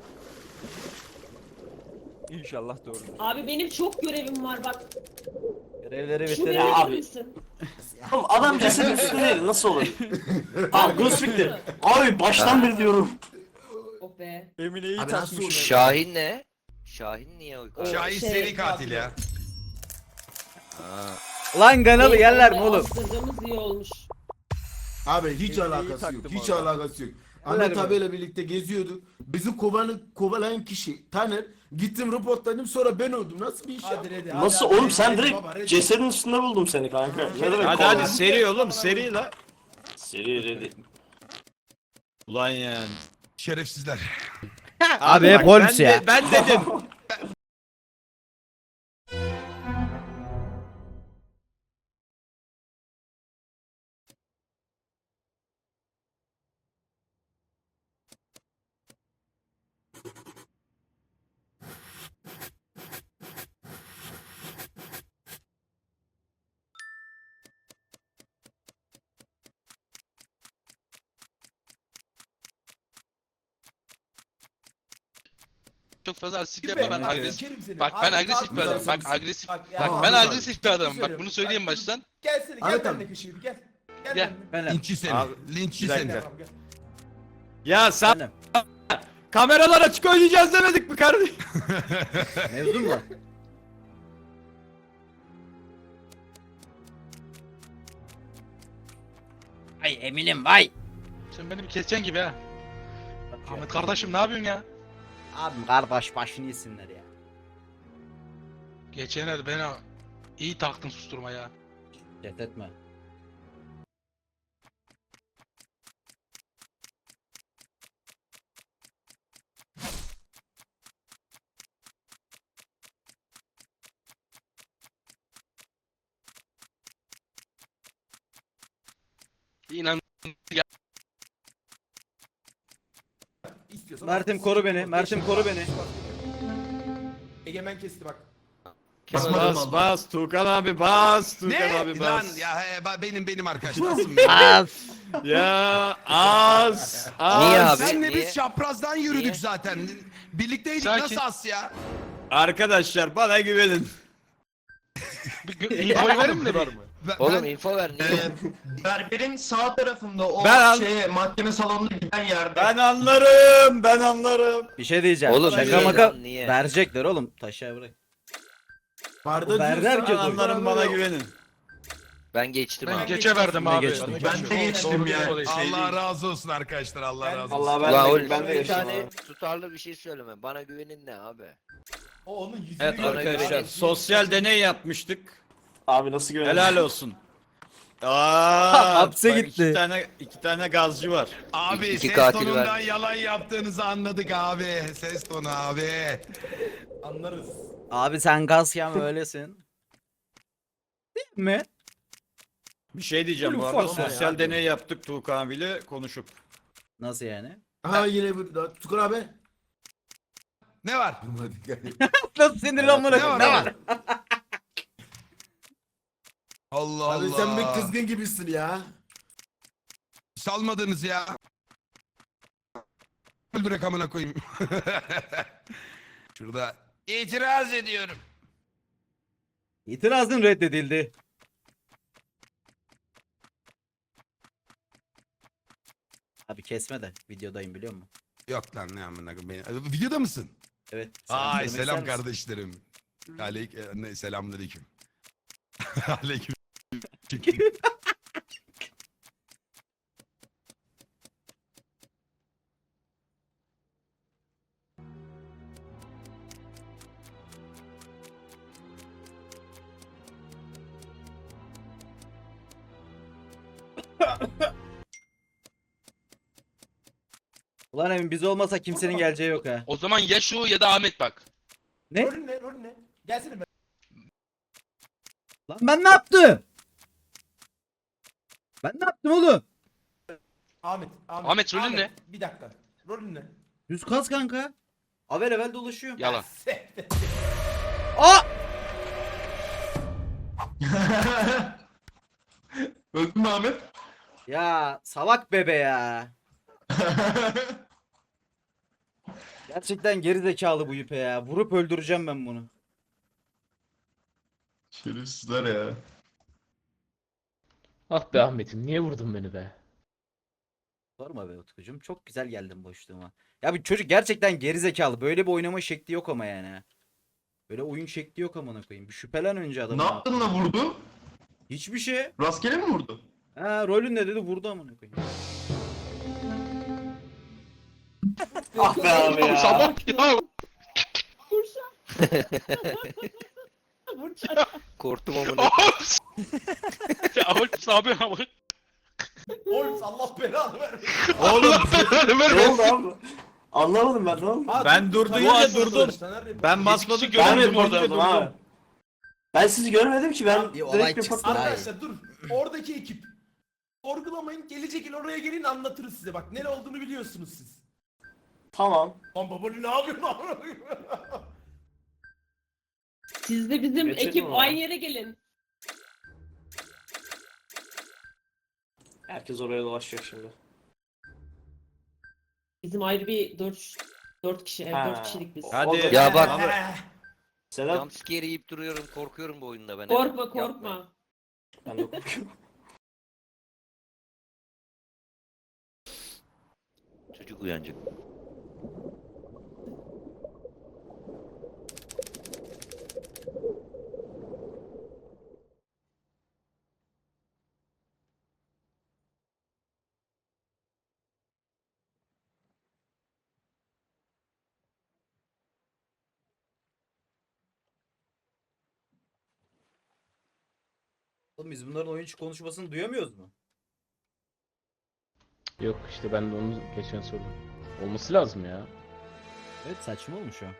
[SPEAKER 11] İnşallah doğrudur.
[SPEAKER 7] Abi benim çok görevim var bak.
[SPEAKER 9] Görevleri
[SPEAKER 7] Şu
[SPEAKER 9] bitirin.
[SPEAKER 7] görevi
[SPEAKER 5] abi.
[SPEAKER 7] verir misin?
[SPEAKER 5] Oğlum adam cesedin üstünde değil, nasıl olur? Tamam Guz bitti. Abi baştan beri diyorum.
[SPEAKER 7] Oh be.
[SPEAKER 11] Emine'yi
[SPEAKER 8] Abi nasıl
[SPEAKER 11] takmışım.
[SPEAKER 12] Şahin ne? Şahin niye o?
[SPEAKER 7] O
[SPEAKER 2] Şahin
[SPEAKER 7] şey,
[SPEAKER 2] seri katil ya.
[SPEAKER 9] Lan kanalı
[SPEAKER 7] Neyse,
[SPEAKER 9] yerler mi
[SPEAKER 7] onu
[SPEAKER 9] oğlum?
[SPEAKER 7] astırdığımız iyi olmuş.
[SPEAKER 8] Abi hiç
[SPEAKER 11] Emine'yi
[SPEAKER 8] alakası yok.
[SPEAKER 11] taktım
[SPEAKER 8] Hiç
[SPEAKER 11] orada.
[SPEAKER 8] alakası yok. Ahmet abiyle birlikte geziyorduk. Bizi kovanı, kovalayan kişi Taner. Gittim reportladım sonra ben öldüm. Nasıl bir iş ya?
[SPEAKER 5] Nasıl oğlum, sen direkt cesedin üstünde buldum seni kanka. Ne demek
[SPEAKER 4] Hadi
[SPEAKER 5] kovaladın?
[SPEAKER 4] hadi seri oğlum seri la.
[SPEAKER 5] Seri ready.
[SPEAKER 4] Ulan yani.
[SPEAKER 2] Şerefsizler.
[SPEAKER 9] Abi hep
[SPEAKER 4] Bak,
[SPEAKER 9] Holmes
[SPEAKER 4] ben
[SPEAKER 9] ya.
[SPEAKER 4] de- ben dedim.
[SPEAKER 1] Çok fazla agresif yapma, ben agresif.
[SPEAKER 3] Sikerim seni.
[SPEAKER 1] Bak ben
[SPEAKER 3] Abi,
[SPEAKER 1] agresif bir
[SPEAKER 3] bak,
[SPEAKER 1] adamım. Bak
[SPEAKER 8] Bak,
[SPEAKER 1] agresif.
[SPEAKER 3] Bak, ya,
[SPEAKER 1] Bak
[SPEAKER 8] Tamam,
[SPEAKER 1] ben
[SPEAKER 8] abi.
[SPEAKER 1] agresif bir adamım. Bak bunu söyleyeyim baştan.
[SPEAKER 3] Gelsene gel
[SPEAKER 8] Ahmet
[SPEAKER 3] benimle
[SPEAKER 8] abi.
[SPEAKER 3] kışıyı gel. Gel.
[SPEAKER 1] Gel.
[SPEAKER 3] benimle.
[SPEAKER 9] Benim.
[SPEAKER 2] Linççi seni.
[SPEAKER 4] Abi,
[SPEAKER 2] Linççi
[SPEAKER 4] bir
[SPEAKER 2] seni.
[SPEAKER 4] dakika.
[SPEAKER 3] Tamam, gel.
[SPEAKER 4] Ya sen
[SPEAKER 9] Benim.
[SPEAKER 4] kameralar açık oynayacağız demedik mi kardeşim?
[SPEAKER 9] Mevzu mu var? Ay eminim vay.
[SPEAKER 1] Sen beni bir keseceksin gibi ha. Ahmet kardeşim ne yapıyorsun ya?
[SPEAKER 9] Abim kardeş başını yesinler ya.
[SPEAKER 1] Geçen el beni iyi taktın susturmaya.
[SPEAKER 9] Cet etme.
[SPEAKER 1] İnan
[SPEAKER 8] İstiyorsan
[SPEAKER 9] Mert'im
[SPEAKER 8] al.
[SPEAKER 9] koru beni. Mert'im koru beni.
[SPEAKER 8] Egemen kesti bak.
[SPEAKER 4] Bas bas Tuğkan abi bas Tuğkan
[SPEAKER 2] Ne?
[SPEAKER 4] abi
[SPEAKER 2] Lan
[SPEAKER 4] bas.
[SPEAKER 2] ya he, ba- benim benim arkadaşım. benim.
[SPEAKER 9] Az.
[SPEAKER 4] Ya az az.
[SPEAKER 12] Niye abi?
[SPEAKER 2] Senle
[SPEAKER 12] Niye?
[SPEAKER 2] biz çaprazdan yürüdük
[SPEAKER 12] Niye?
[SPEAKER 2] zaten. Birlikteydik
[SPEAKER 1] Sakin.
[SPEAKER 2] nasıl as ya?
[SPEAKER 4] Arkadaşlar bana güvenin.
[SPEAKER 1] bir infoyu verin mi? bir?
[SPEAKER 2] Ben-
[SPEAKER 12] Oğlum
[SPEAKER 2] ben-
[SPEAKER 12] info ver niye?
[SPEAKER 6] Ee, berberin sağ tarafında o
[SPEAKER 4] Ben al-
[SPEAKER 6] şeye mahkeme salonuna giden yerde.
[SPEAKER 4] Ben anlarım ben anlarım.
[SPEAKER 9] Bir şey diyeceğim.
[SPEAKER 12] Oğlum
[SPEAKER 9] Şaka
[SPEAKER 12] niye
[SPEAKER 9] maka
[SPEAKER 12] lan, niye?
[SPEAKER 9] verecekler oğlum. Taşa bırak.
[SPEAKER 8] Barda
[SPEAKER 9] Berber
[SPEAKER 8] diyorsa-
[SPEAKER 9] herkes
[SPEAKER 4] Ben anlarım bana güvenin.
[SPEAKER 12] Ben geçtim
[SPEAKER 1] Ben
[SPEAKER 12] abi.
[SPEAKER 1] geçe verdim
[SPEAKER 9] Ben
[SPEAKER 1] abi.
[SPEAKER 9] geçtim.
[SPEAKER 6] Ben de geçtim ya.
[SPEAKER 2] Allah razı olsun arkadaşlar Allah razı olsun.
[SPEAKER 5] Allah ben
[SPEAKER 12] Ulan
[SPEAKER 5] de,
[SPEAKER 12] oğlum
[SPEAKER 5] ben de
[SPEAKER 12] bir
[SPEAKER 5] yaşadım
[SPEAKER 12] tane
[SPEAKER 5] abi.
[SPEAKER 12] tutarlı bir şey söyleme. Bana güvenin ne abi?
[SPEAKER 3] O onun yüzünü
[SPEAKER 4] Evet
[SPEAKER 3] gördü.
[SPEAKER 4] arkadaşlar
[SPEAKER 3] Yani.
[SPEAKER 4] sosyal deney yapmıştık.
[SPEAKER 5] Abi nasıl güvenin?
[SPEAKER 4] Helal olsun. Aa,
[SPEAKER 9] Hapse
[SPEAKER 4] bak
[SPEAKER 9] gitti.
[SPEAKER 4] İki tane iki tane gazcı var.
[SPEAKER 2] Abi
[SPEAKER 12] İki
[SPEAKER 2] ses
[SPEAKER 12] katil
[SPEAKER 2] tonundan
[SPEAKER 12] vermiş.
[SPEAKER 2] yalan yaptığınızı anladık abi. Ses tonu abi.
[SPEAKER 3] Anlarız.
[SPEAKER 9] Abi sen gaz yeme öylesin. Değil mi?
[SPEAKER 4] Bir şey diyeceğim bu
[SPEAKER 9] Ufak
[SPEAKER 4] arada
[SPEAKER 9] olma
[SPEAKER 4] sosyal
[SPEAKER 9] ya.
[SPEAKER 4] deney yaptık Tuğkan abiyle konuşup.
[SPEAKER 9] Nasıl yani?
[SPEAKER 8] Aha yine burada. Tukur abi.
[SPEAKER 2] Ne var?
[SPEAKER 9] Nasıl sinirli amına
[SPEAKER 2] Ne
[SPEAKER 9] koyayım?
[SPEAKER 2] var?
[SPEAKER 9] Ne
[SPEAKER 2] Ne
[SPEAKER 9] var?
[SPEAKER 2] var? Allah
[SPEAKER 8] Abi
[SPEAKER 2] Allah.
[SPEAKER 8] sen bir kızgın gibisin ya.
[SPEAKER 2] Salmadınız ya. Öldür rakamına koyayım. Şurada itiraz ediyorum.
[SPEAKER 9] İtirazın reddedildi. Abi kesme de videodayım biliyor musun?
[SPEAKER 2] Yok lan ne amına koyayım. beni- Videoda mısın?
[SPEAKER 9] Evet.
[SPEAKER 2] Ay
[SPEAKER 9] söylemek
[SPEAKER 2] selam
[SPEAKER 9] ister misin?
[SPEAKER 2] kardeşlerim. Aleyk e, ne selamünaleyküm. Aleyküm.
[SPEAKER 9] Ulan Emin biz olmasa kimsenin geleceği yok ha.
[SPEAKER 1] O zaman ya şu ya da Ahmet bak.
[SPEAKER 9] Ne?
[SPEAKER 3] Rolün ne? Rolün ne? Gelsene ben.
[SPEAKER 9] Lan ben ne yaptım? Ben ne yaptım oğlum?
[SPEAKER 3] Ahmet. Ahmet,
[SPEAKER 1] Ahmet, rolün ne?
[SPEAKER 3] Bir dakika. Rolün ne?
[SPEAKER 9] Düz kas kanka. Avel evvel dolaşıyor.
[SPEAKER 1] Yalan.
[SPEAKER 9] Aa!
[SPEAKER 6] Öldün mü Ahmet?
[SPEAKER 9] Ya salak bebe ya. Gerçekten geri zekalı bu yüpe ya. Vurup öldüreceğim ben bunu.
[SPEAKER 6] Şerefsizler ya.
[SPEAKER 10] Ah be Ahmet'im niye vurdun beni be?
[SPEAKER 9] Sorma be Utkucuğum. Çok güzel geldin boşluğuma. Ya bu çocuk gerçekten geri zekalı. Böyle bir oynama şekli yok ama yani. Böyle oyun şekli yok amına koyayım. Bir şüphelen önce adamı.
[SPEAKER 6] Ne yaptın da vurdu?
[SPEAKER 9] Hiçbir şey.
[SPEAKER 6] Rastgele mi vurdu?
[SPEAKER 9] Ha rolün ne dedi vurdu amına koyayım.
[SPEAKER 5] Ah be abi ya.
[SPEAKER 1] Sabah ya.
[SPEAKER 7] Burçak.
[SPEAKER 12] Korktum amına.
[SPEAKER 1] ya oğlum abi ama.
[SPEAKER 3] Oğlum Allah belanı vermesin.
[SPEAKER 4] Oğlum
[SPEAKER 5] Ne oldu abi? Anlamadım ben ne oldu?
[SPEAKER 3] Ha,
[SPEAKER 4] ben
[SPEAKER 3] dur-
[SPEAKER 4] durdum ya
[SPEAKER 3] Taner
[SPEAKER 4] durdum.
[SPEAKER 3] yapıyorsun, Taner yapıyorsun.
[SPEAKER 4] Ben basmadım
[SPEAKER 1] kişi
[SPEAKER 5] Ben
[SPEAKER 1] göremedim
[SPEAKER 5] reportladım
[SPEAKER 1] orada.
[SPEAKER 4] durdum.
[SPEAKER 5] abi. Ben sizi görmedim ki ben
[SPEAKER 9] Bir olay
[SPEAKER 5] direkt
[SPEAKER 9] çıksın.
[SPEAKER 5] reportladım.
[SPEAKER 3] Arkadaşlar dur. Oradaki ekip. Sorgulamayın. Gelecek yıl oraya gelin anlatırız size. Bak ne olduğunu biliyorsunuz siz.
[SPEAKER 5] Tamam.
[SPEAKER 3] Lan baba ne yapıyorsun?
[SPEAKER 7] Siz de bizim
[SPEAKER 5] Geçelim
[SPEAKER 7] ekip
[SPEAKER 5] ama.
[SPEAKER 7] aynı yere gelin.
[SPEAKER 5] Herkes oraya dolaşacak şimdi.
[SPEAKER 7] Bizim ayrı bir dört dört kişi, evet
[SPEAKER 5] Ha.
[SPEAKER 7] dört kişilik biz.
[SPEAKER 4] Hadi.
[SPEAKER 12] Ya bak.
[SPEAKER 4] Abi,
[SPEAKER 5] Sedat
[SPEAKER 12] Jumpscare yiyip duruyorum. Korkuyorum bu oyunda ben.
[SPEAKER 7] Korkma
[SPEAKER 12] Yapmayın.
[SPEAKER 7] korkma.
[SPEAKER 5] ben de korkuyorum.
[SPEAKER 12] Çocuk uyanacak.
[SPEAKER 9] Oğlum biz bunların oyuncu konuşmasını duyamıyoruz mu?
[SPEAKER 10] Yok işte ben de onu geçen sordum. Olması lazım ya.
[SPEAKER 9] Evet saçma olmuş o.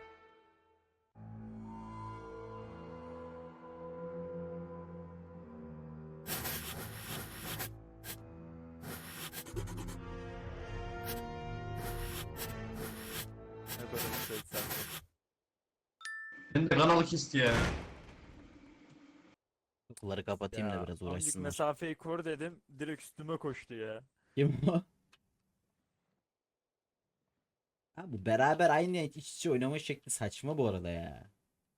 [SPEAKER 11] Ne böyle bir şey sen.
[SPEAKER 6] Ben de kanalı kesti ya.
[SPEAKER 9] Kapıları kapatayım da
[SPEAKER 11] Ya,
[SPEAKER 9] biraz
[SPEAKER 11] azıcık
[SPEAKER 9] uğraşsınlar.
[SPEAKER 11] mesafeyi kur dedim. Direkt üstüme koştu ya.
[SPEAKER 9] Kim o? Ha bu beraber aynı iç içe oynama şekli saçma bu arada ya.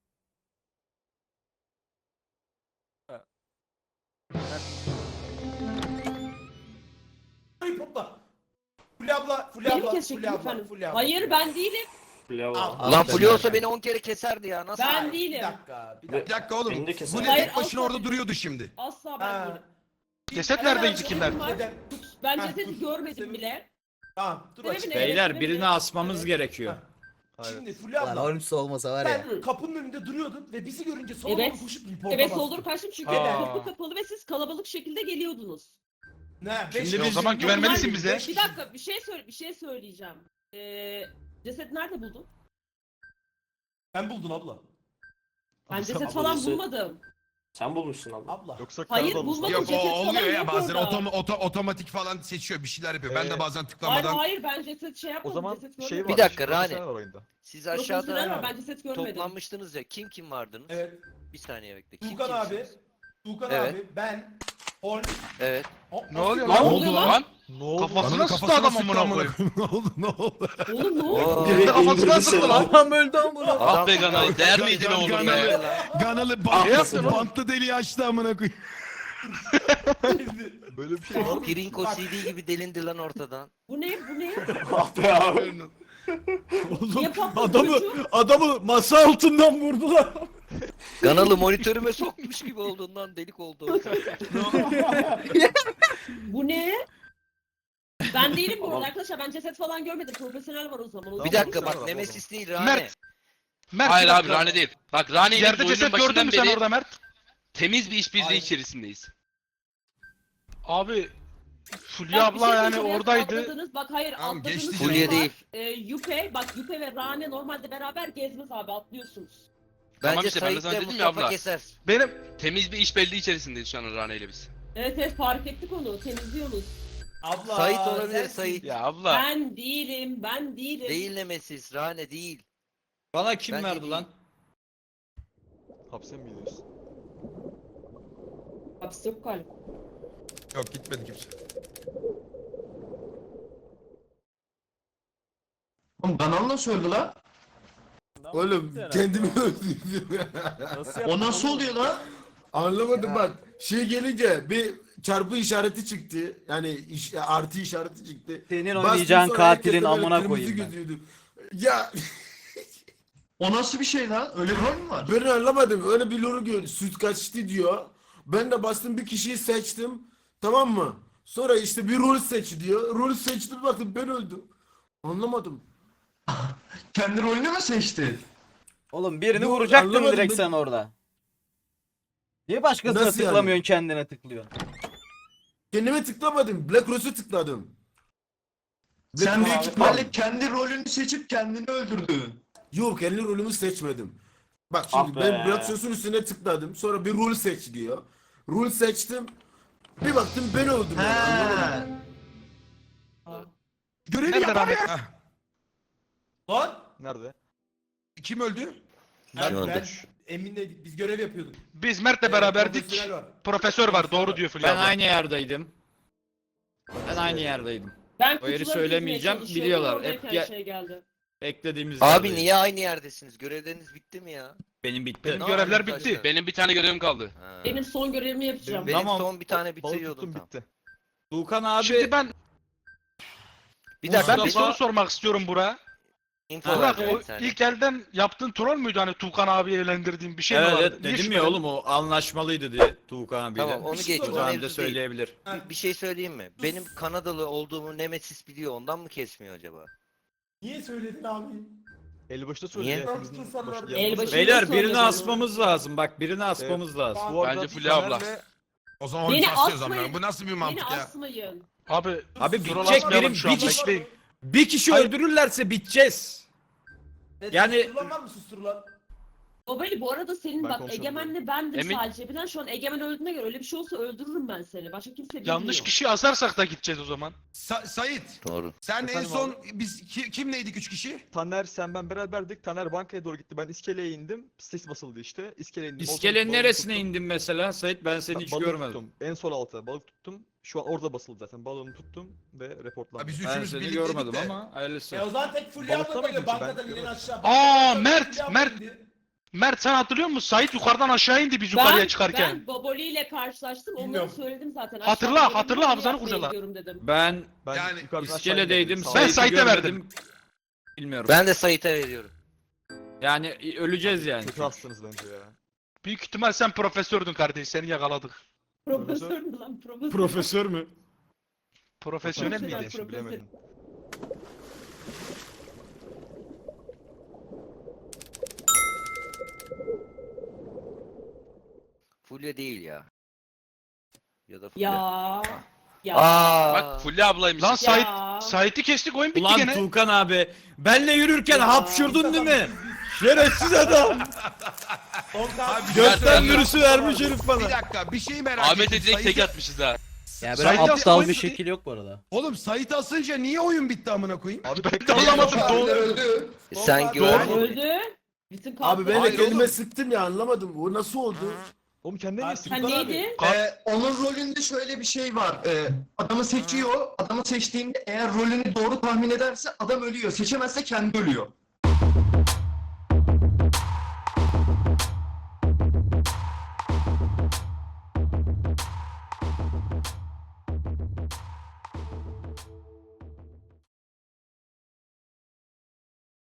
[SPEAKER 3] Hayır topla. Fulya abla, Fulya
[SPEAKER 7] Beni mi
[SPEAKER 3] abla,
[SPEAKER 7] kesecektin
[SPEAKER 3] Fulya abla,
[SPEAKER 7] efendim?
[SPEAKER 3] Fulya abla.
[SPEAKER 7] Hayır ben değilim.
[SPEAKER 3] Al,
[SPEAKER 12] Lan
[SPEAKER 3] al.
[SPEAKER 12] Fulya olsa beni on kere keserdi ya. Nasıl?
[SPEAKER 7] Ben
[SPEAKER 3] Bir
[SPEAKER 7] değilim.
[SPEAKER 3] dakika, bir
[SPEAKER 2] Bir
[SPEAKER 3] dakika.
[SPEAKER 2] dakika oğlum.
[SPEAKER 5] Beni de keser.
[SPEAKER 2] Bu ne
[SPEAKER 7] Hayır,
[SPEAKER 2] tek başına
[SPEAKER 7] asla
[SPEAKER 2] orada duruyordu şimdi.
[SPEAKER 7] Asla ben
[SPEAKER 3] Ha.
[SPEAKER 7] değilim.
[SPEAKER 1] Ceset neredeydi kimler?
[SPEAKER 7] Var.
[SPEAKER 3] Neden?
[SPEAKER 7] Ben
[SPEAKER 3] Ha,
[SPEAKER 7] cesedi
[SPEAKER 3] dur.
[SPEAKER 7] görmedim
[SPEAKER 3] Senin-
[SPEAKER 7] bile.
[SPEAKER 3] Tamam, dur
[SPEAKER 7] Sebebi
[SPEAKER 3] açık.
[SPEAKER 7] ne?
[SPEAKER 4] Beyler
[SPEAKER 7] Evet,
[SPEAKER 4] birini
[SPEAKER 7] evet.
[SPEAKER 4] asmamız
[SPEAKER 7] Evet.
[SPEAKER 4] gerekiyor.
[SPEAKER 3] Ha. Şimdi Fulya
[SPEAKER 9] Lan
[SPEAKER 3] abla,
[SPEAKER 9] Holmes olmasa var ya.
[SPEAKER 3] sen kapının önünde duruyordun ve bizi görünce sola
[SPEAKER 7] Evet.
[SPEAKER 3] doğru koşup reporta
[SPEAKER 7] Evet
[SPEAKER 3] bastın.
[SPEAKER 7] soldur kaçtım çünkü
[SPEAKER 1] Aa.
[SPEAKER 7] kapı kapalı ve siz kalabalık şekilde geliyordunuz.
[SPEAKER 3] Ne?
[SPEAKER 1] Şimdi
[SPEAKER 3] Beş
[SPEAKER 1] biz-
[SPEAKER 3] kişi-
[SPEAKER 1] o zaman güvenmelisin
[SPEAKER 3] Normal
[SPEAKER 1] bize.
[SPEAKER 3] beş
[SPEAKER 7] Bir
[SPEAKER 3] kişi.
[SPEAKER 7] dakika bir şey söyle bir şey söyleyeceğim. Ee, ceset nerede buldun?
[SPEAKER 3] Ben buldun abla.
[SPEAKER 7] Ben ceset
[SPEAKER 5] Abla,
[SPEAKER 7] falan
[SPEAKER 5] ceset-
[SPEAKER 7] bulmadım.
[SPEAKER 5] Sen bulmuşsun abla.
[SPEAKER 3] Abla.
[SPEAKER 11] Yoksa
[SPEAKER 7] Hayır,
[SPEAKER 11] Karadağ
[SPEAKER 7] bulmadım.
[SPEAKER 2] Yok o
[SPEAKER 7] Ceket falan
[SPEAKER 2] oluyor ya
[SPEAKER 7] yok
[SPEAKER 2] bazen
[SPEAKER 7] orada.
[SPEAKER 2] otom- oto- otomatik falan seçiyor bir şeyler yapıyor. Ben de
[SPEAKER 11] Evet.
[SPEAKER 2] bazen
[SPEAKER 7] Hayır
[SPEAKER 2] tıklamadan
[SPEAKER 7] hayır ben ceset şey
[SPEAKER 11] O
[SPEAKER 7] yapmadım.
[SPEAKER 11] zaman
[SPEAKER 7] ceset
[SPEAKER 11] şey
[SPEAKER 7] görmedim.
[SPEAKER 11] var.
[SPEAKER 12] Bir dakika,
[SPEAKER 11] profesyonel
[SPEAKER 12] Rani.
[SPEAKER 11] var oyunda.
[SPEAKER 12] Siz
[SPEAKER 7] Profesyonel var,
[SPEAKER 12] aşağıda
[SPEAKER 7] ben ceset görmedim.
[SPEAKER 12] toplanmıştınız ya. Kim kim vardınız?
[SPEAKER 3] Evet.
[SPEAKER 12] Bir saniye bekle. Kim
[SPEAKER 3] Tuğkan abi.
[SPEAKER 12] kimsiniz?
[SPEAKER 3] Tuğkan
[SPEAKER 12] Evet.
[SPEAKER 3] abi, ben, Hol.
[SPEAKER 12] Evet.
[SPEAKER 3] O-
[SPEAKER 1] Ne oluyor
[SPEAKER 7] Ne
[SPEAKER 1] lan?
[SPEAKER 7] oluyor lan?
[SPEAKER 11] Ne oldu?
[SPEAKER 1] Kafasına
[SPEAKER 2] Kanın
[SPEAKER 1] sıktı
[SPEAKER 2] kafasına
[SPEAKER 1] adam
[SPEAKER 2] sıktı
[SPEAKER 1] amına
[SPEAKER 2] amına
[SPEAKER 1] koyayım.
[SPEAKER 2] koyayım. Ne oldu ne oldu?
[SPEAKER 7] Oğlum ne oldu?
[SPEAKER 12] Oo.
[SPEAKER 5] Direkt
[SPEAKER 1] Kafasına
[SPEAKER 5] indirdi
[SPEAKER 1] sıktı
[SPEAKER 5] seni.
[SPEAKER 1] lan.
[SPEAKER 9] Adam öldü amına.
[SPEAKER 12] Adam-
[SPEAKER 10] be Ganalı, değer miydi ne olur
[SPEAKER 2] Ganalı,
[SPEAKER 10] be?
[SPEAKER 2] Ganalı
[SPEAKER 12] Ah,
[SPEAKER 1] Ne yaptın
[SPEAKER 2] bant,
[SPEAKER 1] oğlum?
[SPEAKER 2] bantlı deliği açtı amına koyayım.
[SPEAKER 11] Böyle bir şey var mı?
[SPEAKER 12] Pirinko C D gibi delindi lan ortadan.
[SPEAKER 7] Bu ne bu ne?
[SPEAKER 5] Ah be abi.
[SPEAKER 7] Niye patladı
[SPEAKER 4] Adamı
[SPEAKER 7] çocuk?
[SPEAKER 4] adamı masa altından vurdular.
[SPEAKER 12] Kanalı monitörüme sokmuş gibi olduğundan delik oldu.
[SPEAKER 7] Bu ne? Ben değilim bu arada arkadaşlar ben ceset falan görmedim. Profesyonel var o zaman. O
[SPEAKER 12] Bir
[SPEAKER 7] zaman-
[SPEAKER 12] dakika bak Nemesis değil Rani.
[SPEAKER 1] Mert. Mert
[SPEAKER 10] Hayır
[SPEAKER 1] bir
[SPEAKER 10] abi
[SPEAKER 1] dakika.
[SPEAKER 10] Rane değil. Bak Rane ile
[SPEAKER 1] Yerde
[SPEAKER 10] biz oyunun
[SPEAKER 1] ceset gördün
[SPEAKER 10] başından
[SPEAKER 1] mü sen
[SPEAKER 10] beri
[SPEAKER 1] orada Mert?
[SPEAKER 10] temiz bir işbirliği
[SPEAKER 3] Hayır.
[SPEAKER 10] içerisindeyiz.
[SPEAKER 1] Abi Fulya
[SPEAKER 7] Bak, bir
[SPEAKER 1] abla
[SPEAKER 7] şey
[SPEAKER 1] yani
[SPEAKER 7] söyleyeceğim.
[SPEAKER 1] oradaydı.
[SPEAKER 7] Atladınız. Bak hayır
[SPEAKER 2] Tamam,
[SPEAKER 7] atladınız.
[SPEAKER 2] geçti
[SPEAKER 7] şey
[SPEAKER 12] Fulya
[SPEAKER 7] var.
[SPEAKER 12] değil.
[SPEAKER 7] Ee, Yüpe bak Yüpe ve Rane normalde beraber gezmez abi atlıyorsunuz.
[SPEAKER 10] Tamam
[SPEAKER 12] Bence
[SPEAKER 10] işte, ben de
[SPEAKER 12] Sait'le
[SPEAKER 10] sana dedim ya
[SPEAKER 12] Mustafa
[SPEAKER 10] abla.
[SPEAKER 12] keser.
[SPEAKER 1] Benim
[SPEAKER 10] Temiz bir işbirliği içerisindeyiz şu an Rane ile biz.
[SPEAKER 7] Evet evet fark ettik onu temizliyorsunuz.
[SPEAKER 3] Abla.
[SPEAKER 12] Sait olabilir
[SPEAKER 3] sensin.
[SPEAKER 12] Sait.
[SPEAKER 1] ya abla.
[SPEAKER 7] Ben değilim ben değilim.
[SPEAKER 12] Değil Nemesis, Rane değil.
[SPEAKER 4] Bana kim
[SPEAKER 12] Ben de
[SPEAKER 4] verdi
[SPEAKER 12] değil.
[SPEAKER 4] lan?
[SPEAKER 11] Hapse mi gidiyorsun?
[SPEAKER 7] Hapis yok galiba.
[SPEAKER 2] Yok gitmedi kimse.
[SPEAKER 6] Oğlum kanalı nasıl öldü lan?
[SPEAKER 8] Oğlum kendimi öldürdüm.
[SPEAKER 11] Nasıl
[SPEAKER 6] O nasıl oluyor lan?
[SPEAKER 8] Anlamadım bak. Şey gelince bir çarpı işareti çıktı. Yani iş, artı işareti çıktı.
[SPEAKER 9] Senin
[SPEAKER 8] Bastım
[SPEAKER 9] oynayacağın
[SPEAKER 8] sonra
[SPEAKER 9] katilin
[SPEAKER 8] herkes de böyle
[SPEAKER 9] amına
[SPEAKER 8] kırmızı
[SPEAKER 9] koyayım ben.
[SPEAKER 8] gözüydü. Ya
[SPEAKER 6] O nasıl bir şey lan? Öyle bir rol mü var?
[SPEAKER 8] ben anlamadım. Öyle bir loru gör. Süt kaçtı diyor. Ben de bastım bir kişiyi seçtim. Tamam mı? Sonra işte bir rol seç diyor. Rol seçtim baktım ben öldüm. Anlamadım.
[SPEAKER 6] Kendi rolünü mü seçti?
[SPEAKER 9] Oğlum birini
[SPEAKER 8] Yok,
[SPEAKER 9] vuracaktın
[SPEAKER 8] anlamadım
[SPEAKER 9] direkt
[SPEAKER 8] ben.
[SPEAKER 9] sen orada. Niye başkasına
[SPEAKER 8] Nasıl yani?
[SPEAKER 9] tıklamıyorsun kendine tıklıyorsun?
[SPEAKER 8] Kendime tıklamadım. Black Rose'u tıkladım. Black
[SPEAKER 6] Sen
[SPEAKER 8] Rose'u
[SPEAKER 6] büyük
[SPEAKER 8] tıkladım.
[SPEAKER 6] ihtimalle kendi rolünü seçip kendini öldürdün.
[SPEAKER 8] Yok kendi rolümü seçmedim. Bak şimdi
[SPEAKER 5] Ah be.
[SPEAKER 8] ben Black Rose'un üstüne tıkladım. Sonra bir rol seç diyor. Rol seçtim. Bir baktım ben öldüm. yani, anlamadım.
[SPEAKER 6] He.
[SPEAKER 2] Görevi
[SPEAKER 1] Nerede
[SPEAKER 2] yapar
[SPEAKER 1] Rane?
[SPEAKER 2] ya.
[SPEAKER 3] Lan.
[SPEAKER 11] Nerede?
[SPEAKER 2] Kim öldü?
[SPEAKER 3] Ben,
[SPEAKER 12] Şu
[SPEAKER 3] ben
[SPEAKER 12] anda.
[SPEAKER 3] Emin'le biz görev yapıyorduk.
[SPEAKER 1] Biz Mert'le
[SPEAKER 3] Ee,
[SPEAKER 1] beraberdik.
[SPEAKER 3] profesyonel var.
[SPEAKER 1] Profesör var doğru diyor Fulya
[SPEAKER 4] Ben
[SPEAKER 1] abla.
[SPEAKER 4] aynı yerdeydim. Ben aynı yerdeydim.
[SPEAKER 7] Ben
[SPEAKER 4] O yeri
[SPEAKER 7] kutuları
[SPEAKER 4] söylemeyeceğim,
[SPEAKER 7] dizmeye çalışıyordum,
[SPEAKER 4] biliyorlar.
[SPEAKER 7] oradayken
[SPEAKER 4] Hep ya-
[SPEAKER 7] şey geldi.
[SPEAKER 4] Beklediğimiz
[SPEAKER 12] Abi
[SPEAKER 4] yerdeydim.
[SPEAKER 12] niye aynı yerdesiniz? Görevleriniz bitti mi ya?
[SPEAKER 4] Benim bitti.
[SPEAKER 1] Benim
[SPEAKER 12] Ne
[SPEAKER 1] görevler
[SPEAKER 12] yapayım
[SPEAKER 1] bitti.
[SPEAKER 12] arkadaşlar?
[SPEAKER 10] Benim bir tane görevim kaldı.
[SPEAKER 12] Ha.
[SPEAKER 7] Benim son görevimi yapacağım.
[SPEAKER 12] Benim
[SPEAKER 4] Tamam.
[SPEAKER 12] son bir tane
[SPEAKER 11] Balık
[SPEAKER 12] bitiriyordum
[SPEAKER 11] tuttum
[SPEAKER 12] tam.
[SPEAKER 11] bitti.
[SPEAKER 4] Tuğkan abi
[SPEAKER 1] Şimdi ben
[SPEAKER 12] Bir dakika
[SPEAKER 1] ben bir
[SPEAKER 12] bir
[SPEAKER 1] soru sormak istiyorum Burak'a.
[SPEAKER 12] info
[SPEAKER 1] Burak
[SPEAKER 12] vereceğim
[SPEAKER 1] o
[SPEAKER 12] bir saniye.
[SPEAKER 1] ilk elden yaptığın troll müydü hani Tuğkan abi eğlendirdiğin bir şey mi
[SPEAKER 4] evet,
[SPEAKER 1] vardı?
[SPEAKER 4] evet
[SPEAKER 1] Niye
[SPEAKER 4] dedim ya
[SPEAKER 1] şüphelendin?
[SPEAKER 4] oğlum o anlaşmalıydı diye Tuğkan abiyle.
[SPEAKER 12] Tamam onu geç.
[SPEAKER 4] O
[SPEAKER 12] O
[SPEAKER 4] zaman
[SPEAKER 12] mevzu
[SPEAKER 4] da
[SPEAKER 12] değil.
[SPEAKER 4] söyleyebilir.
[SPEAKER 12] Bir, bir şey söyleyeyim mi? Benim Kanadalı olduğumu Nemesis biliyor. Ondan mı kesmiyor acaba?
[SPEAKER 3] Niye söyledin abi?
[SPEAKER 11] Elbaşta
[SPEAKER 12] Niye?
[SPEAKER 11] söyledi. hepimizin
[SPEAKER 3] Nasıl insanlar-
[SPEAKER 11] başı-
[SPEAKER 7] Elbaşı-
[SPEAKER 11] yanımızda.
[SPEAKER 4] Beyler
[SPEAKER 7] Söyledi
[SPEAKER 4] birini
[SPEAKER 7] onu.
[SPEAKER 4] asmamız lazım. Bak birini asmamız lazım.
[SPEAKER 11] Bu
[SPEAKER 10] Bence
[SPEAKER 11] arada
[SPEAKER 10] Fulya abla.
[SPEAKER 11] Taner'le
[SPEAKER 2] O zaman
[SPEAKER 7] Beni
[SPEAKER 2] oyun saslıyoruz
[SPEAKER 7] asmayın.
[SPEAKER 2] amına. Bu nasıl bir
[SPEAKER 7] Beni
[SPEAKER 2] mantık ya?
[SPEAKER 7] asmayın.
[SPEAKER 1] Abi
[SPEAKER 4] Abi
[SPEAKER 1] troll
[SPEAKER 4] bitecek
[SPEAKER 1] atmayalım
[SPEAKER 4] benim
[SPEAKER 1] şu
[SPEAKER 4] bir
[SPEAKER 1] anda,
[SPEAKER 4] kişi,
[SPEAKER 1] bekleyin.
[SPEAKER 4] bir kişi
[SPEAKER 1] Hayır.
[SPEAKER 4] öldürürlerse biteceğiz.
[SPEAKER 3] Evet,
[SPEAKER 4] Yani-
[SPEAKER 3] Susturulan var mı susturulan?
[SPEAKER 7] Babali bu arada senin
[SPEAKER 11] Ben
[SPEAKER 7] bak
[SPEAKER 11] konuşamam.
[SPEAKER 7] Egemen'le bendim
[SPEAKER 1] Emin-
[SPEAKER 7] sadece. Bilen şu an Egemen öldüğüne göre öyle bir şey olsa öldürürüm ben seni. Başka kimse bilmiyor.
[SPEAKER 1] Yanlış kişi asarsak da gideceğiz o zaman.
[SPEAKER 2] Sa- Sait,
[SPEAKER 12] Doğru.
[SPEAKER 2] sen en
[SPEAKER 11] Efendim
[SPEAKER 2] son biz ki- kimleydik üç kişi?
[SPEAKER 11] Taner sen ben beraberdik. Taner bankaya doğru gitti. Ben iskeleye indim. Stes basıldı işte. İskeleye indim.
[SPEAKER 4] İskelenin
[SPEAKER 11] Balık
[SPEAKER 4] neresine
[SPEAKER 11] tuttum.
[SPEAKER 4] indin mesela Sait? Ben seni hiç
[SPEAKER 11] Balığı
[SPEAKER 4] görmedim.
[SPEAKER 11] tuttum. En sol alta balık tuttum. Şu an orada basıldı zaten. Balığını tuttum ve reportlandım.
[SPEAKER 2] Ha, biz
[SPEAKER 4] Ben
[SPEAKER 2] üçümüz
[SPEAKER 4] seni
[SPEAKER 2] birlikteydik
[SPEAKER 4] görmedim
[SPEAKER 2] de.
[SPEAKER 4] ama hayırlısı.
[SPEAKER 3] E o zaman tek Fulya
[SPEAKER 11] Balıkta
[SPEAKER 3] abla
[SPEAKER 11] mıydın
[SPEAKER 3] böyle
[SPEAKER 11] ki? Ben
[SPEAKER 3] bankadan inen
[SPEAKER 11] görmedim.
[SPEAKER 3] aşağı.
[SPEAKER 1] Aa,
[SPEAKER 3] Bankadan
[SPEAKER 1] Mert,
[SPEAKER 3] Fulya abla
[SPEAKER 1] Mert.
[SPEAKER 3] indi.
[SPEAKER 1] Mert sen hatırlıyor musun? Sait yukarıdan aşağı indi biz yukarıya
[SPEAKER 7] Ben,
[SPEAKER 1] çıkarken.
[SPEAKER 7] ben Baboli ile karşılaştım. Onları
[SPEAKER 3] Bilmiyorum.
[SPEAKER 7] söyledim zaten.
[SPEAKER 1] Hatırla,
[SPEAKER 7] Aşağıda
[SPEAKER 1] hatırla,
[SPEAKER 7] yemeği
[SPEAKER 1] hafızanı
[SPEAKER 7] yapmaya
[SPEAKER 1] kurcala.
[SPEAKER 7] gidiyorum dedim.
[SPEAKER 4] Ben
[SPEAKER 11] Ben
[SPEAKER 2] Yani
[SPEAKER 11] yukarıdan aşağı
[SPEAKER 4] iskeledeydim.
[SPEAKER 11] indim. Sağ
[SPEAKER 1] Ben
[SPEAKER 11] ol.
[SPEAKER 4] Sait'i
[SPEAKER 1] Sait'e verdim.
[SPEAKER 4] görmedim. Bilmiyorum.
[SPEAKER 12] Ben de Sait'e veriyorum.
[SPEAKER 4] Yani öleceğiz yani.
[SPEAKER 11] Kötü hastınız bence ya.
[SPEAKER 1] Büyük ihtimal sen profesördün kardeş. Seni yakaladık.
[SPEAKER 7] Profesör mü lan? Profesör.
[SPEAKER 4] Profesör mü?
[SPEAKER 1] Profesyonel
[SPEAKER 7] Profesyonel.
[SPEAKER 1] miydi?
[SPEAKER 11] Şimdi bilemedim.
[SPEAKER 12] Fulya değil ya. Ya da Fulya.
[SPEAKER 7] Ya. Ya.
[SPEAKER 12] Aa.
[SPEAKER 13] Bak Fulya ablaymış.
[SPEAKER 1] Lan Sait,
[SPEAKER 7] Ya.
[SPEAKER 1] Sait'i kestik oyun bitti
[SPEAKER 4] Ulan
[SPEAKER 1] gene.
[SPEAKER 4] Tuğkan abi. Benle yürürken
[SPEAKER 7] Ya.
[SPEAKER 4] hapşurdun değil mi? Şerefsiz adam.
[SPEAKER 2] Abi,
[SPEAKER 4] Gökten
[SPEAKER 2] bir
[SPEAKER 4] virüsü vermiş herif bana.
[SPEAKER 2] dakika bir şey merak
[SPEAKER 13] Ahmet'e
[SPEAKER 2] ettim.
[SPEAKER 13] direkt tek
[SPEAKER 2] Sait'i-
[SPEAKER 13] atmışız ha.
[SPEAKER 9] Ya böyle
[SPEAKER 2] Sait'i
[SPEAKER 9] aptal
[SPEAKER 2] oyun
[SPEAKER 9] bir
[SPEAKER 2] bitti.
[SPEAKER 9] şekil yok bu arada.
[SPEAKER 2] Oğlum Sait'i asınca niye oyun bitti amına koyayım?
[SPEAKER 11] Abi
[SPEAKER 1] Ben de anlamadım. Doğru.
[SPEAKER 6] öldü.
[SPEAKER 12] Sen
[SPEAKER 3] Doğru.
[SPEAKER 12] güven.
[SPEAKER 7] Öldü. Bütün
[SPEAKER 8] Abi ben de
[SPEAKER 2] Hayır
[SPEAKER 8] kendime
[SPEAKER 2] oğlum.
[SPEAKER 8] sıktım ya anlamadım. Bu nasıl oldu?
[SPEAKER 11] Oğlum kendine
[SPEAKER 3] Ha,
[SPEAKER 11] niye
[SPEAKER 3] sen
[SPEAKER 7] Sen
[SPEAKER 11] sıktın?
[SPEAKER 7] neydi?
[SPEAKER 6] Ee, onun rolünde şöyle bir şey var. Ee, adamı seçiyor. Adamı seçtiğinde eğer rolünü doğru tahmin ederse adam ölüyor. Seçemezse kendi ölüyor.